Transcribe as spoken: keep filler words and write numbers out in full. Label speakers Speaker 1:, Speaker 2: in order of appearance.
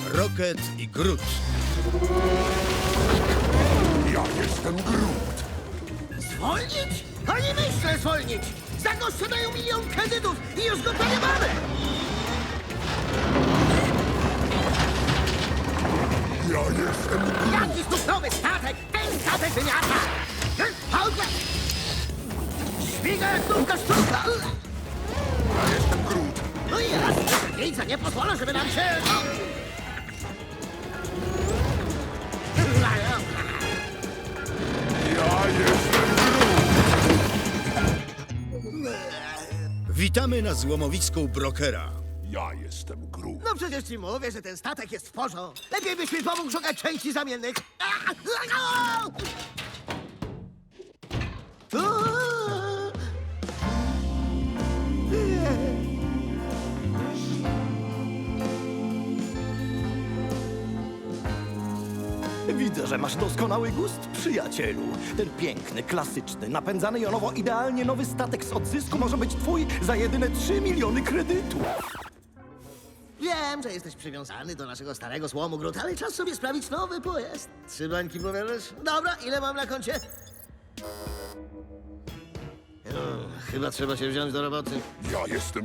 Speaker 1: Rocket i Groot.
Speaker 2: Ja jestem Groot.
Speaker 3: Zwolnić? Ani myślę zwolnić! Za gościa dają milion kredytów i już go prawie mamy!
Speaker 2: Ja jestem Groot.
Speaker 3: Jaki znów nowy statek? Ten statek wymiata! Pałka! Śmiga jak nówka sztuka!
Speaker 2: Ja jestem Groot.
Speaker 3: No i raz, miejsca nie pozwolę, żeby nam się...
Speaker 2: Ja jestem Groot.
Speaker 1: Witamy na złomowisku Brokera.
Speaker 2: Ja jestem Groot.
Speaker 3: No przecież ci mówię, że ten statek jest w porządku. Lepiej byś mi pomógł szukać części zamiennych.
Speaker 4: Widzę, że masz doskonały gust, przyjacielu. Ten piękny, klasyczny, napędzany jonowo idealnie nowy statek z odzysku może być twój za jedyne trzy miliony kredytów.
Speaker 3: Wiem, że jesteś przywiązany do naszego starego złomu, Groot, ale czas sobie sprawić nowy pojazd. Trzy bańki powiadasz? Dobra, ile mam na koncie? O, chyba trzeba się wziąć do roboty.
Speaker 2: Ja jestem